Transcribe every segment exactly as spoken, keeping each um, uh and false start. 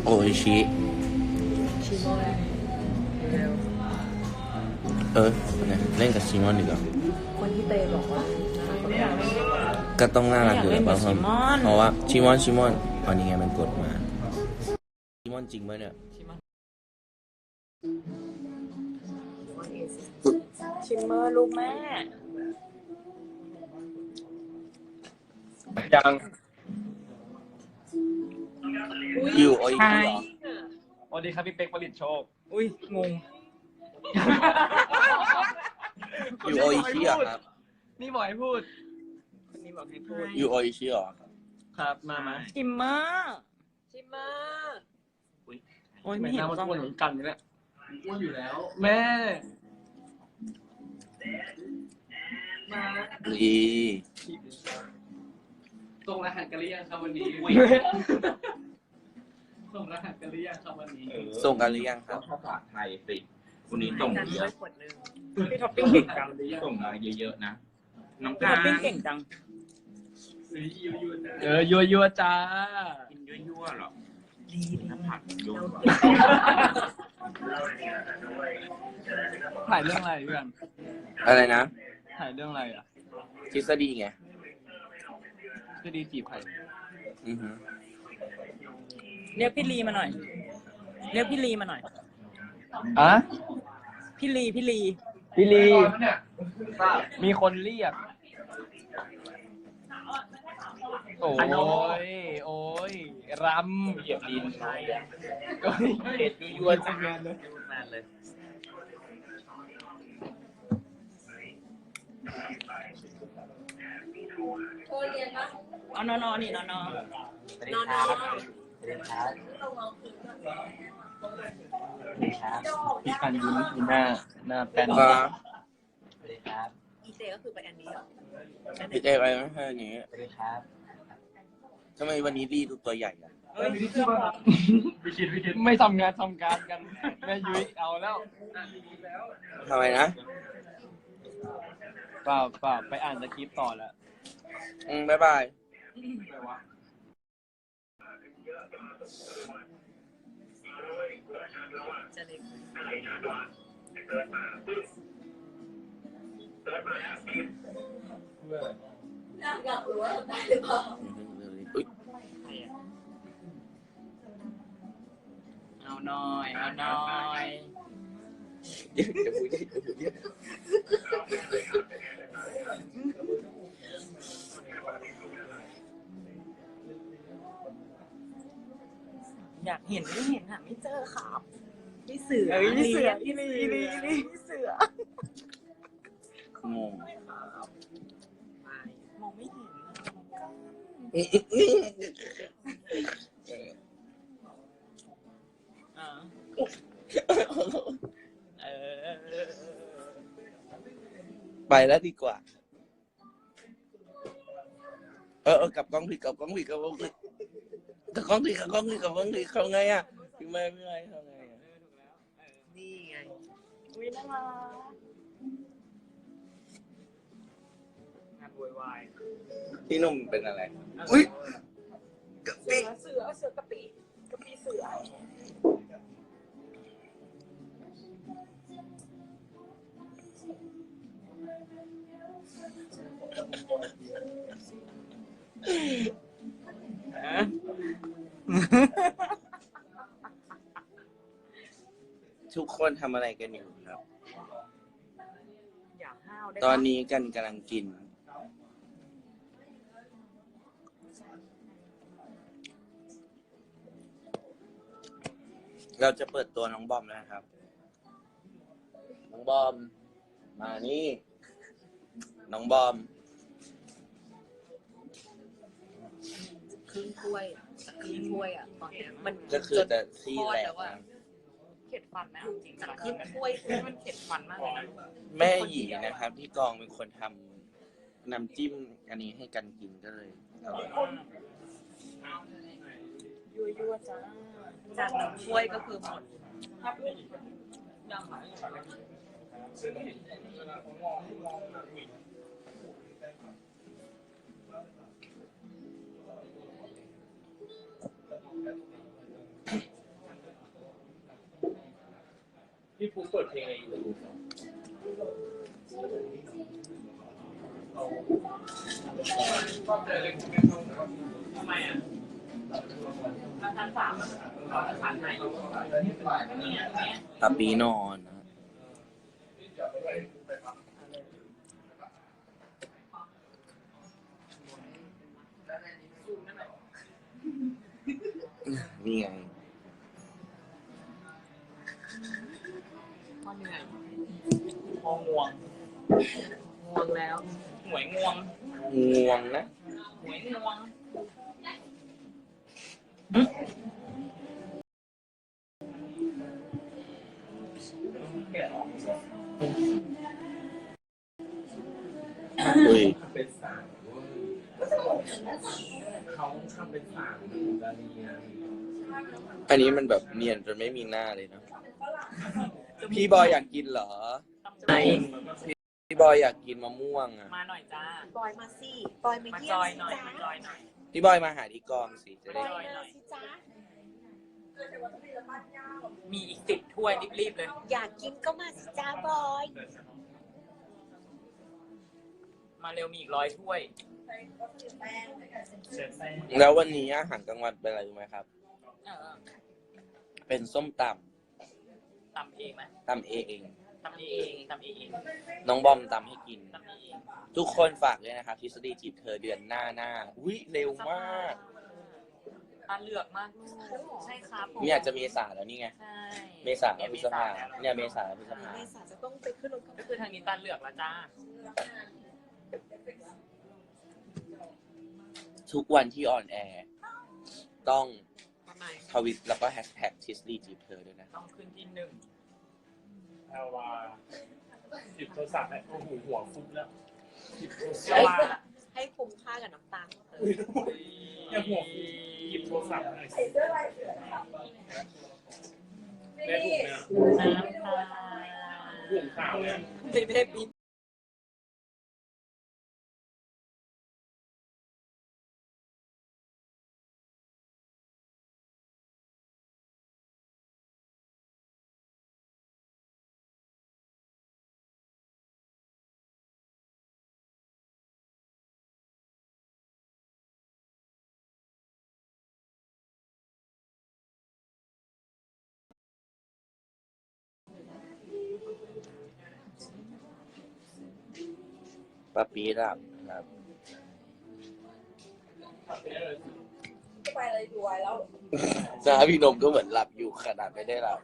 อิชิชิโมะเร็วเออเนี่ยเล่นกับชิมอนดีกว่าคนที่เตยบอกว่าไม่อยากเล่นกับก็ต้องน่ารักอยู่แล้วไม่อยากเล่นกับชิมอนเพราะว่าชิมอนชิมอนอันนี้ไงมันกดมาชิมอนจริงไหมเนี่ยชิมเมอร์ลูกแม่ยังอยู่โออิชิเหรอสวัสดีครับพี่เป๊กผลิตโชคอุ้ยงงอยู่โออิชิเหรอครับนี่บอกให้พูดคนนี้บอกให้พูดอยู่โออิชิเหรอครับมามาชิมเมอร์ชิมเมอร์โอ้ยไม่ไม่เห็นน่ามาต้องพูดเหมือนกันนี่แหละอ้วนอยู่แล้วแม่มาดีส่งรหัสกันหรือยังครับวันนี้ ส่งรหัสกันหรือยังครับวันนี้ส่งกันหรือยังคก็รับภาษาไทยสิคุณนี้ส่งกันเยด้วอะยขวดนึงพี่ท็อปปิ้งเก่งจังส่งมาเยอะๆนะ น้องพี่กาท็อปปิ้งเก่งจังหรือยูยูนะเออยัวยัวจ้ากินยั่วๆหรอน้ำผักยั่วถ่ายเรื่องอะไรเพื่อนอะไรนะถ่ายเรื่องอะไรอ่ะทฤษฎีไงจะดีจีบใครอือฮึเรียกพี่ลีมาหน่อย เรียกพี่ลีมาหน่อยอะพี่ลีพี่ลีพี่ลีมีคนเรียก โอ้ย โอ้ย รำเหยียบดินโอ้ยเด็ดยั่วๆจังนานเลย เอานอนๆนี่นอนๆนอนสวัสดีครับสวัสดีครับพี่กันยิ้มยิ้มหน้า หน้าแป้นก็สวัสดีครับอีเจก็คือไปอันนี้เหรอพี่เจไปไม่ใช่อย่างนี้สวัสดีครับทำไมวันนี้ดีดูตัวใหญ่อะเฮ้ยเสื้อผ้าวิคิดวิคิดไม่ทำงานทำการกัน แม่ยุ้ยเอาแล้วทำไมนะเปล่าเปล่าไปอ่านสคริปต์ต่อแล้วอืมบ๊ายบายจะเล็กอยากรู้ว่าทำได้หรือเปล่าอุ๊ยเอาหน่อยเอาหน่อยเดี๋ยวเดี๋ยวพูดเดี๋ยวพูดเดี๋ยวอยากเห็นไม่เห็นหาไม่เจอครับพี่เสือเอ้ยพี่เสือพี่ลีพี่ลีพี่เสืองงมองไม่เห็น อ่าเออไปแล้วดีกว่า เออเออกลับกล้องผิดกลับกล้องผิดกลับกล้องผิดกลับกล้องผิดกลับกล้องผิดกลับกล้องผิดเขาไงอ่ะพี่ไม่ไม่ไม่เขาไงอะนี่ไงอุ้ยน่ารักงานวายพี่หนุ่มเป็นอะไร อุ้ยกะเสืปิอเสือเสือกะปิกะปิเสือทุกคนทำอะไรกันอยู่ครับอยากห้าวได้ตอนนี้กันกำลังกิน เราจะเปิดตัวน้องบอมแล้วนะครับ น้องบอม มานี่ น้องบอมครึ่งถ้วยอะครึ่งถ้วยอ่ะตอนเนี้ยมันก็คือแต่ซี่แหลกแล้วอะนะเข็ดฟันไหมเอาจริงจากครึ่งถ้วยคือมันเข็ดฟันมากเลยนะแม่หยีนะครับ ที่กองเป็นคนทำน้ำจิ้มอันนี้ให้กันกินก็เลยอร่อยยั่วยั่วจ้าจากหนึ่งถ้วยก็คือหมดพี่ฟูเปิดเพลงอะไรอยู่ทำไมอ่ะชั้นสามชั้นไหนตาปีนอนนะนี่ไงพอเหนื่อยพอง่วงง่วงแล้วหวยง่วงง่วงนะหวยง่วงอุ้ยเป็นสาวเขาทำเป็นสาวเหมือนดาเนียอันนี้มันแบบเนียนจนไม่มีหน้าเลยนะพี่บอยอยากกินเหรอไหนพี่บอยอยากกินมะม่วงอ่ะมาหน่อยจ้าบอยมาสิบอยมามาเยี่จยมอยสิหน่อยจ้ามาจอยหน่อยพี่บอยมาหาที่กองสิจะบได้อยมาสิจ้ามีอีกสิบถ้วยรีบๆเลยอยากกินก็มาสิจ้าบอยมาเร็วมีอีกร้อยถ้วยแล้ววันนี้อาหารกลางวันเป็นอะไรรู้ไหมครับเออเป็นส้มตตำเองไหมำตำเองตำเองตำเองน้องบอมตำให้กินตำเองทุกคนฝากเลยนะครับทฤษฎีจีบเธอเดือนหน้าหน้าอุ้ยเร็วมากตาเหลือกมากลูกใช่ครับผมนี่อาจจะเมษาแล้วนี่ไงใช่เมษาพฤษภาเนี่ยเมษาพฤษภาเมษาจะต้องไปขึ้นรถก็คือทางนี้ตาเหลือกแล้วจ้าทุกวันที่ออนแอร์ต้องทำไมทวิตแล้วก็แฮชแท็กทฤษฎีจีบเธอด้วยนะต้องขึ้นที่หนึ่งเอาว่าหยิบโทรศัพท์แล้วโอ้โหหัวฟุบแล้วหยิบโทรศัเชื่อพท์ว่าให้คุ้มค่ากับน้ำตาลเอออย่าหัวฟุบหยิบโทรศัพท์หน่อยสิแม่บุ๋มเนี่ยน้ำตาบุ๋มขาวเนี่ยไม่ได้บินปาปีหลับครับไปเลยรวยแล้วจ้าพี่นมก็เหมือนหลับอยู่ขนาดไม่ได้หลับ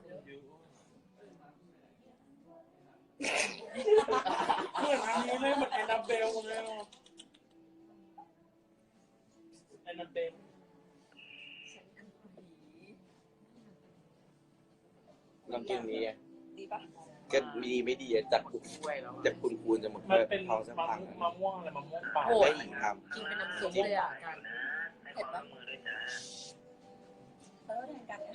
เหมือนอันนี้เลยเหมือนแอนนาเบลเลยอ่ะแอนนาเบลน้ำจิ้มนี้ไงดีปะก็มีไม่ดีอะจากถ้วยแล้วอะจากคุณคูณจะหมดมันเป็นท้องจะมะพังม่วงมะม่วงอะไรมะม่วงป่าได้หญิงทกินเป็นน้ำซุปเลยอ่ะกันเผ็ดปะเออแทนกัน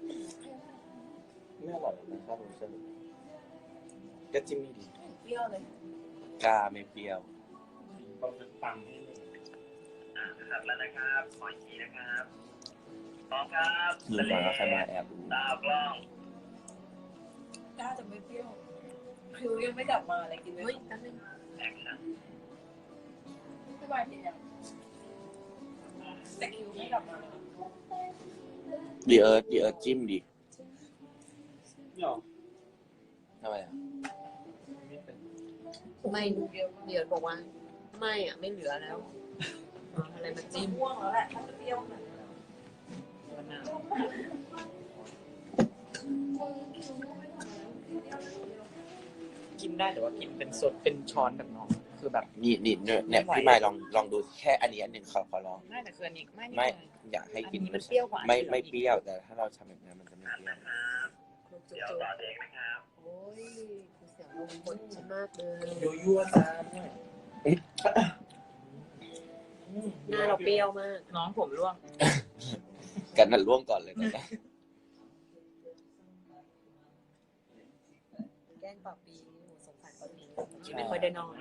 ำไม่อร่อยนะครับผมเชื่อก็จิ้มไม่ดีเปรี้ยวเลยกาไม่เปรี้ยวต้องเป็นตังค์ให้เลยขัดแล้วนะครับขออีกทีนะครับพร้อมครับดูก่อนว่าใครมาแอบดูตาวกล้องกล้าจะไม่เปรี้ยวคิวยังไม่กลับมาเลยกินเฮ้ยแป๊บนึงแอคชั่นไม่บายกินยังแต่คิวไม่กลับมาเลยดีเอิร์ธดีเอิร์ธจิ้มดินี่หรอทำไมอ่ะไม่เป็นไม่เดี๋ยวบอกว่า ไม่อ่ะไม่เหลือแล้วเอาอะไรมาจิ้มม่วงแล้วแหละถ้าจะเปรี้ยวขนาดนั้นมะนาวกินได้แต่ว่ากินเป็นสดเป็นช้อนแบบน้องคือแบบนี่นี่เนี่ยเนี่ยพี่มายลองลองดูแค่อันนี้อันหนึ่งขอขอลองไม่แต่คืออันนี้ไม่ไม่อยากให้กินอันนี้มันเปรี้ยวกว่าไม่ไม่เปรี้ยวแต่ถ้าเราทำแบบนี้มันจะไม่เปรี้ยวครบจุเดี๋ยวดต่อเองนะครับๆโอ้ยเสียงลมบนฉันมากเลยยั่วยั่วจ้าเนี่ยหน้าเราเปรี้ยวมากน้องผมร่วงกันนั่นล่วงก่อนเลยนะแกล้งปรับปีสงสารปรับปีที่ไม่ค่อยได้นอน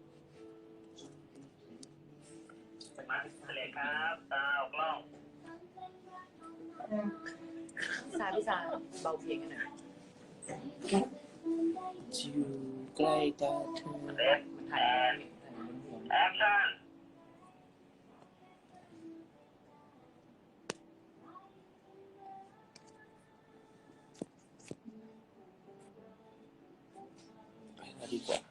มาเลยครับตาวกล้องพี่ซาพี่ซาเบาเพลงกันหน่อยอยู่ใกล้ตาเธอมันถ่ายถ่ายบนหัวแอคชั่นไปแล้วดีกว่า